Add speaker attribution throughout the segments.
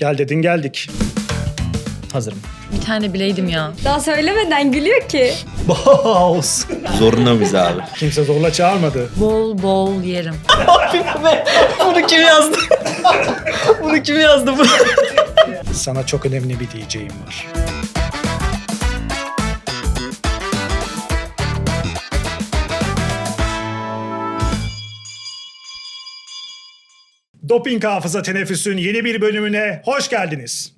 Speaker 1: Gel dedin geldik. Hazırım.
Speaker 2: Bir tane bileydim ya.
Speaker 3: Daha söylemeden gülüyor ki.
Speaker 1: Boz.
Speaker 4: Zorunda mıyız abi?
Speaker 1: Kimse zorla çağırmadı.
Speaker 2: Bol bol yerim.
Speaker 4: Bunu kim yazdı? Bunu kim yazdı bu?
Speaker 1: Sana çok önemli bir diyeceğim var. Doping Hafıza Teneffüs'ün yeni bir bölümüne hoş geldiniz.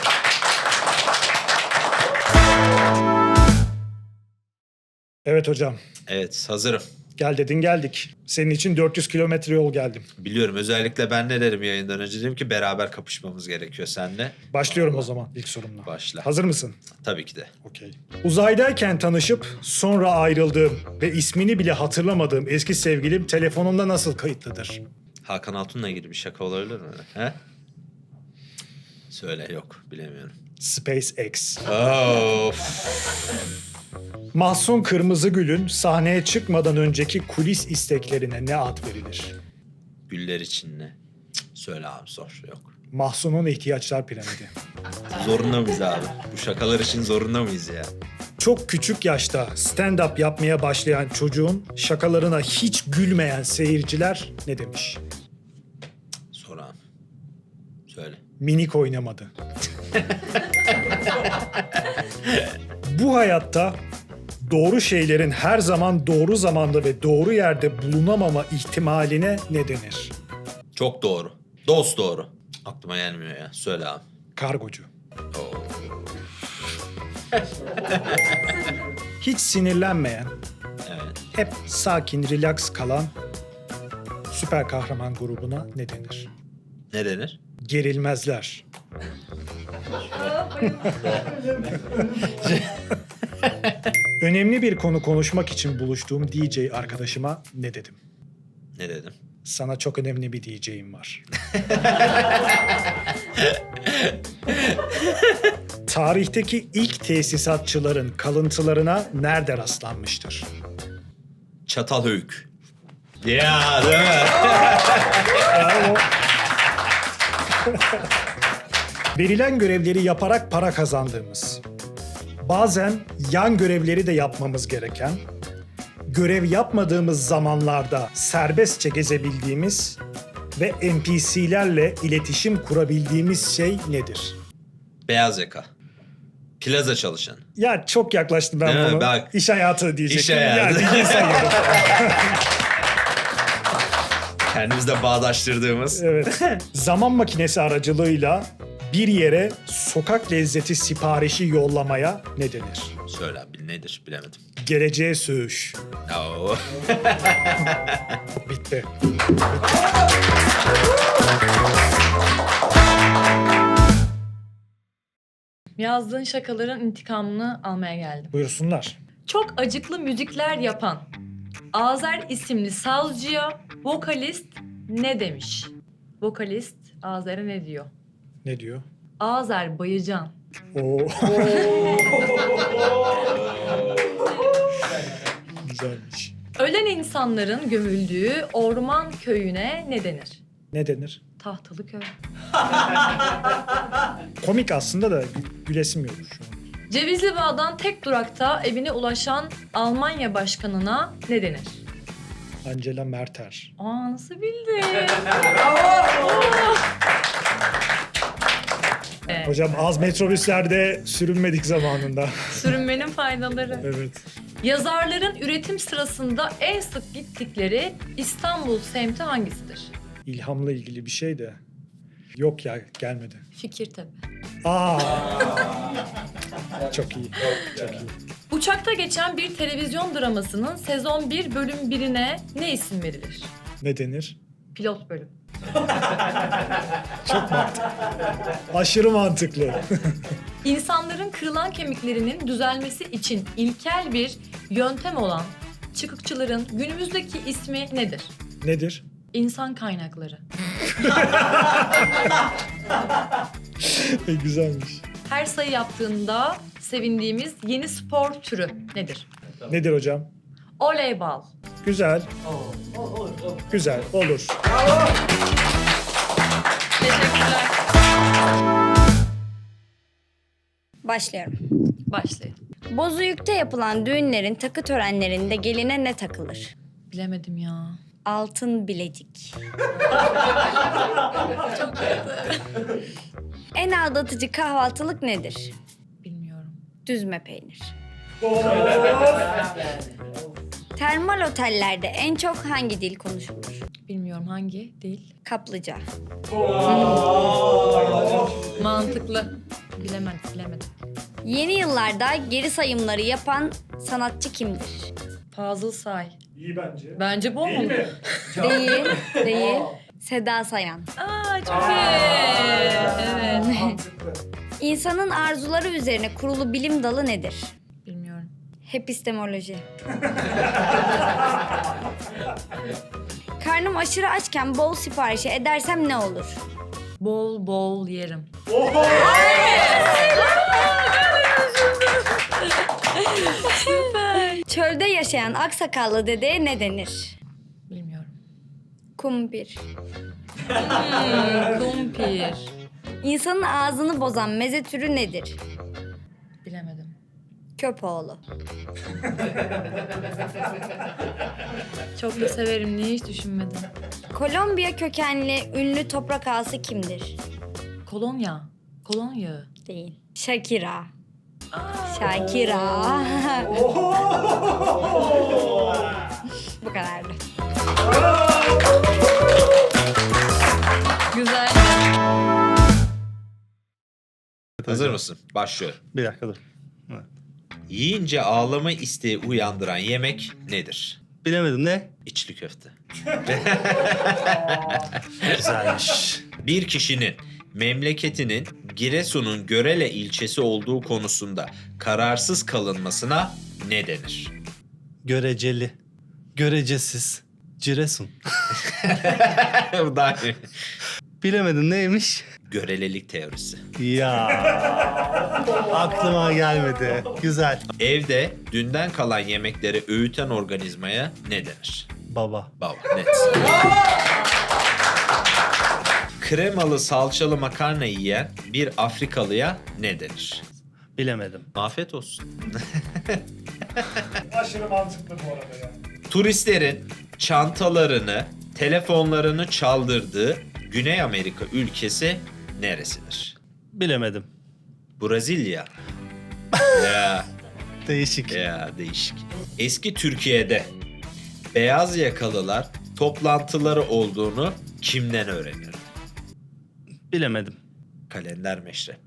Speaker 1: Evet hocam.
Speaker 4: Evet, hazırım.
Speaker 1: Gel dedin geldik. Senin için 400 kilometre yol geldim.
Speaker 4: Biliyorum, özellikle ben ne dedim yayından önce, dedim ki beraber kapışmamız gerekiyor seninle.
Speaker 1: Başlıyorum o zaman ilk sorumla.
Speaker 4: Başla.
Speaker 1: Hazır mısın?
Speaker 4: Tabii ki de.
Speaker 1: Okey. Uzaydayken tanışıp sonra ayrıldığım ve ismini bile hatırlamadığım eski sevgilim telefonumda nasıl kayıtlıdır?
Speaker 4: Hakan Altun'la ilgili bir şaka olabilir mi? He? Söyle, yok, bilemiyorum.
Speaker 1: SpaceX.
Speaker 4: Of.
Speaker 1: Mahsun Kırmızıgül'ün sahneye çıkmadan önceki kulis isteklerine ne ad verilir?
Speaker 4: Güller için ne? Cık, söyle abi, sor, yok.
Speaker 1: Mahsun'un ihtiyaçlar piramidi.
Speaker 4: Zorunda mıyız abi? Bu şakalar için zorunda mıyız ya?
Speaker 1: Çok küçük yaşta stand-up yapmaya başlayan çocuğun şakalarına hiç gülmeyen seyirciler ne demiş?
Speaker 4: Sor abi. Söyle.
Speaker 1: Minik oynamadı. Bu hayatta doğru şeylerin her zaman doğru zamanda ve doğru yerde bulunamama ihtimaline ne denir?
Speaker 4: Çok doğru. Dost doğru. Aklıma gelmiyor ya. Söyle abi.
Speaker 1: Kargocu.
Speaker 4: Oo.
Speaker 1: Hiç sinirlenmeyen,
Speaker 4: Evet.
Speaker 1: hep sakin, relax kalan süper kahraman grubuna ne denir?
Speaker 4: Ne denir?
Speaker 1: Gerilmezler. Önemli bir konu konuşmak için buluştuğum DJ arkadaşıma ne dedim?
Speaker 4: Ne dedim?
Speaker 1: Sana çok önemli bir diyeceğim var. Tarihteki ilk tesisatçıların kalıntılarına nerede rastlanmıştır?
Speaker 4: Çatalhöyük. Ya değil mi?
Speaker 1: Verilen görevleri yaparak para kazandığımız, bazen yan görevleri de yapmamız gereken, görev yapmadığımız zamanlarda serbestçe gezebildiğimiz ve NPC'lerle iletişim kurabildiğimiz şey nedir?
Speaker 4: Beyaz yaka. Plaza çalışan.
Speaker 1: Ya çok yaklaştım ben
Speaker 4: Değil mi?
Speaker 1: bunu.
Speaker 4: Bak.
Speaker 1: İş hayatı diyecektim.
Speaker 4: İş hayatı.
Speaker 1: Yani sayıyorum.
Speaker 4: Kendimizle bağdaştırdığımız.
Speaker 1: Evet. Zaman makinesi aracılığıyla bir yere sokak lezzeti siparişi yollamaya ne denir?
Speaker 4: Söyle abi, nedir bilemedim.
Speaker 1: Geleceğe söğüş.
Speaker 4: Oo.
Speaker 1: Bitti.
Speaker 2: Yazdığın şakaların intikamını almaya geldim.
Speaker 1: Buyursunlar.
Speaker 2: Çok acıklı müzikler yapan Azer isimli sazcıya vokalist ne demiş? Vokalist Azer'e ne diyor?
Speaker 1: Ne diyor?
Speaker 2: Azer Bayıcan.
Speaker 1: Oo. Güzelmiş.
Speaker 2: Ölen insanların gömüldüğü orman köyüne ne denir?
Speaker 1: Ne denir?
Speaker 2: Tahtalı köy.
Speaker 1: Komik aslında da gülesim yok şu an.
Speaker 2: Cevizli Bağ'dan tek durakta evine ulaşan Almanya başkanına ne denir?
Speaker 1: Angela Merter.
Speaker 2: Aa, nasıl bildin? Evet,
Speaker 1: Hocam az metrobüslerde sürünmedik zamanında.
Speaker 2: sürünmenin faydaları.
Speaker 1: Evet.
Speaker 2: Yazarların üretim sırasında en sık gittikleri İstanbul semti hangisidir?
Speaker 1: İlhamla ilgili bir şey de. Yok ya gelmedi.
Speaker 2: Fikirtepe.
Speaker 1: Aa. Çok iyi. Çok iyi.
Speaker 2: Uçakta geçen bir televizyon dramasının sezon 1 bölüm 1'ine ne isim verilir?
Speaker 1: Ne denir?
Speaker 2: Pilot bölüm.
Speaker 1: Aşırı mantıklı.
Speaker 2: İnsanların kırılan kemiklerinin düzelmesi için ilkel bir yöntem olan çıkıkçıların günümüzdeki ismi nedir?
Speaker 1: Nedir?
Speaker 2: İnsan kaynakları.
Speaker 1: Güzelmiş.
Speaker 2: Her sayı yaptığında sevindiğimiz yeni spor türü nedir?
Speaker 1: Nedir hocam?
Speaker 2: Voleybol.
Speaker 1: Güzel. Güzel. Olur.
Speaker 2: Teşekkürler.
Speaker 3: Başlıyorum.
Speaker 2: Başlayın.
Speaker 3: Bozüyük'te yapılan düğünlerin takı törenlerinde geline ne takılır?
Speaker 2: Bilemedim ya.
Speaker 3: Altın bilezik. En aldatıcı kahvaltılık nedir?
Speaker 2: Bilmiyorum.
Speaker 3: Düzme peynir. Termal otellerde en çok hangi dil konuşulur?
Speaker 2: Bilmiyorum hangi değil.
Speaker 3: Kaplıca.
Speaker 2: Mantıklı. Bilemedim.
Speaker 3: Yeni yıllarda geri sayımları yapan sanatçı kimdir?
Speaker 2: Fazıl Say.
Speaker 1: İyi bence.
Speaker 2: Bence bu mu?
Speaker 3: Değil. Seda Sayan.
Speaker 2: Aa çok iyi. Evet.
Speaker 3: İnsanın arzuları üzerine kurulu bilim dalı nedir?
Speaker 2: Bilmiyorum.
Speaker 3: Epistemoloji. Karnım aşırı açken bol siparişi edersem ne olur?
Speaker 2: Bol bol yerim.
Speaker 3: Çölde yaşayan aksakallı dedeye ne denir?
Speaker 2: Bilmiyorum.
Speaker 3: Kumpir.
Speaker 2: Kumpir.
Speaker 3: İnsanın ağzını bozan meze türü nedir?
Speaker 2: Bilemedim.
Speaker 3: Köpoğlu.
Speaker 2: Çok da severim. Niye hiç düşünmedim?
Speaker 3: Kolombiya kökenli ünlü toprak ağası kimdir?
Speaker 2: Kolonya. Kolonya.
Speaker 3: Değil. Shakira. Shakira. Bu kadardı.
Speaker 2: Güzel.
Speaker 5: Hazır mısın? Başlıyorum.
Speaker 6: Bir dakika dur.
Speaker 5: Yiyince ağlama isteği uyandıran yemek nedir?
Speaker 6: Bilemedim ne?
Speaker 5: İçli köfte.
Speaker 6: Güzelmiş.
Speaker 5: Bir kişinin memleketinin Giresun'un Görele ilçesi olduğu konusunda kararsız kalınmasına ne denir?
Speaker 6: Göreceli. Görecesiz. Ciresun.
Speaker 5: Bu daha iyi.
Speaker 6: Bilemedim neymiş?
Speaker 5: Görelelik teorisi.
Speaker 6: Ya. Aklıma gelmedi. Güzel.
Speaker 5: Evde dünden kalan yemekleri öğüten organizmaya ne denir?
Speaker 6: Baba.
Speaker 5: Baba, net. Kremalı salçalı makarna yiyen bir Afrikalıya ne denir?
Speaker 6: Bilemedim.
Speaker 5: Afiyet olsun.
Speaker 1: Aşırı mantıklı bu arada ya.
Speaker 5: Turistlerin çantalarını, telefonlarını çaldırdığı Güney Amerika ülkesi neresidir?
Speaker 6: Bilemedim.
Speaker 5: Brezilya. Ya,
Speaker 6: Değişik.
Speaker 5: değişik. Eski Türkiye'de beyaz yakalılar toplantıları olduğunu kimden öğrenirdi?
Speaker 6: Bilemedim.
Speaker 5: Kalender Meşrep.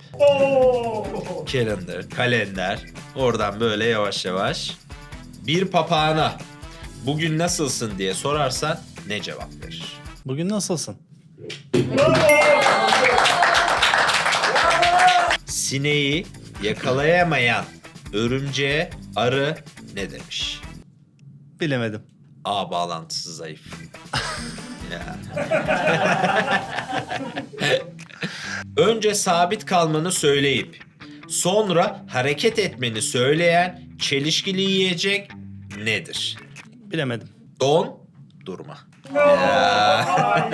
Speaker 5: Kalender. Oradan böyle yavaş yavaş. Bir papağana bugün nasılsın diye sorarsan ne cevap verir?
Speaker 6: Bugün nasılsın?
Speaker 5: Sineği yakalayamayan örümceğe arı ne demiş?
Speaker 6: Bilemedim.
Speaker 5: A bağlantısı zayıf. Ya. Önce sabit kalmanı söyleyip sonra hareket etmeni söyleyen çelişkili yiyecek nedir?
Speaker 6: Bilemedim.
Speaker 5: Don, durma. Ya.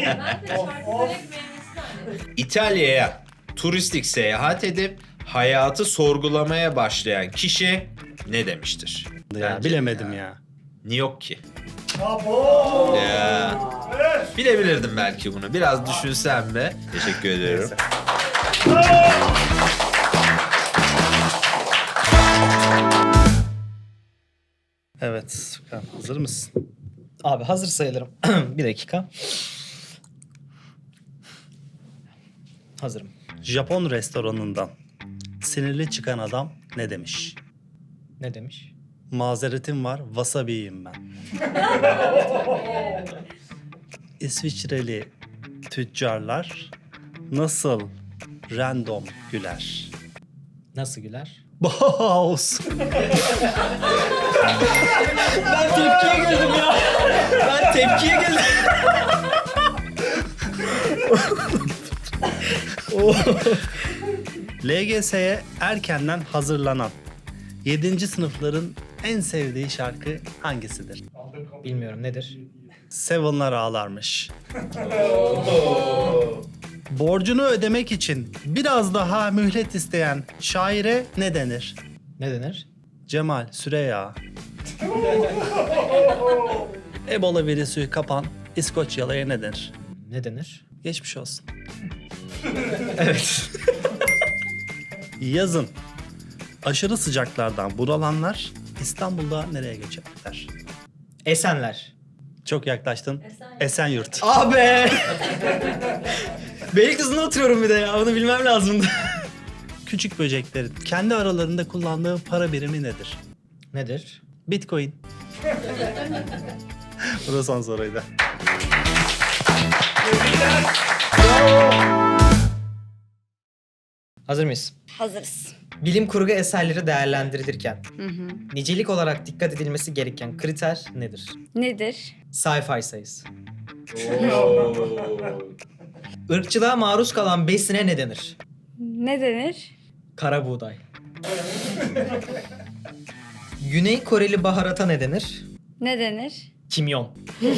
Speaker 5: İtalya'ya turistik seyahat edip hayatı sorgulamaya başlayan kişi ne demiştir?
Speaker 6: Ya,
Speaker 5: Bence
Speaker 6: bilemedim ya.
Speaker 5: New York ki. Ya. Bilebilirdim belki bunu. Biraz düşünsem de. Teşekkür ediyorum.
Speaker 6: Evet. Furkan, hazır mısın?
Speaker 4: Abi hazır sayılırım. Bir dakika. Hazırım.
Speaker 6: Japon restoranından sinirli çıkan adam ne demiş?
Speaker 4: Ne demiş?
Speaker 6: Mazeretim var, wasabi yiyeyim ben. İsviçreli tüccarlar nasıl random güler?
Speaker 4: Nasıl güler?
Speaker 6: Boss.
Speaker 4: Ben tepkiye geldim ya. Ben tepkiye geldim.
Speaker 6: LGS'ye erkenden hazırlanan 7. sınıfların en sevdiği şarkı hangisidir?
Speaker 4: Bilmiyorum nedir?
Speaker 6: Seven'lar ağlarmış. Borcunu ödemek için biraz daha mühlet isteyen şaire ne denir?
Speaker 4: Ne denir?
Speaker 6: Cemal Süreya. Ebola virüsü kapan İskoçyalı'ya ne denir?
Speaker 4: Ne denir?
Speaker 6: Geçmiş olsun.
Speaker 4: Evet.
Speaker 6: Yazın aşırı sıcaklardan bunalanlar İstanbul'da nereye göçerler?
Speaker 4: Esenler.
Speaker 6: Çok yaklaştın. Esenyurt.
Speaker 4: Abi. Beylikdüzü'nde oturuyorum bir de ya. Onu bilmem lazımdı.
Speaker 6: Küçük böceklerin kendi aralarında kullandığı para birimi nedir?
Speaker 4: Nedir?
Speaker 6: Bitcoin. Bu da son soruydu.
Speaker 4: Hazır mıyız?
Speaker 3: Hazırız.
Speaker 4: Bilim kurgu eserleri değerlendirilirken nicelik olarak dikkat edilmesi gereken kriter nedir?
Speaker 3: Nedir?
Speaker 4: Sci-fi sayısı. Irkçılığa maruz kalan besine ne denir?
Speaker 3: Ne denir?
Speaker 4: Kara buğday. Güney Koreli baharata ne denir?
Speaker 3: Ne denir?
Speaker 4: Kimyon.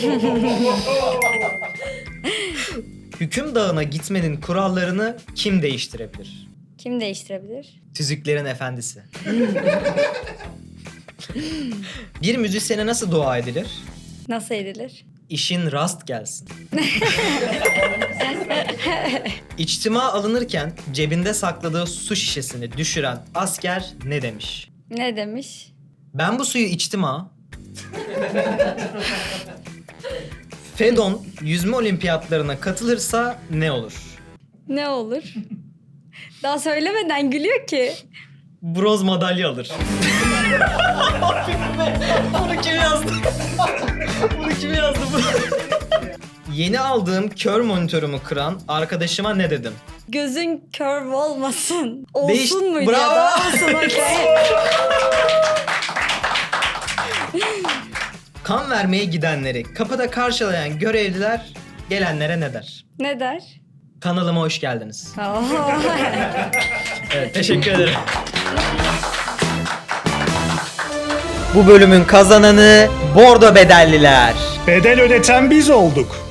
Speaker 4: Hüküm Dağı'na gitmenin kurallarını kim değiştirebilir?
Speaker 3: Kim değiştirebilir?
Speaker 4: Tüzüklerin efendisi. Bir müzisyene nasıl dua edilir?
Speaker 3: Nasıl edilir?
Speaker 4: İşin rast gelsin. İçtima alınırken cebinde sakladığı su şişesini düşüren asker ne demiş?
Speaker 3: Ne demiş?
Speaker 4: Ben bu suyu içtim ha. Fedon yüzme olimpiyatlarına katılırsa ne olur?
Speaker 3: Ne olur? Daha söylemeden gülüyor ki.
Speaker 4: Bronz madalya alır. Bunu kim yazdı? Bunu kim yazdı bu? Yeni aldığım kör monitörümü kıran arkadaşıma ne dedim?
Speaker 3: Gözün kör olmasın. Olsun
Speaker 4: Değiş-
Speaker 3: muydu ya
Speaker 4: Bravo.
Speaker 3: da olsun okey.
Speaker 4: Kan vermeye gidenleri kapıda karşılayan görevliler gelenlere ne der?
Speaker 3: Ne der?
Speaker 4: Kanalıma hoş geldiniz.
Speaker 3: Oo.
Speaker 4: Evet, teşekkür ederim. Bu bölümün kazananı Bordo Bedelliler.
Speaker 1: Bedel ödeten biz olduk.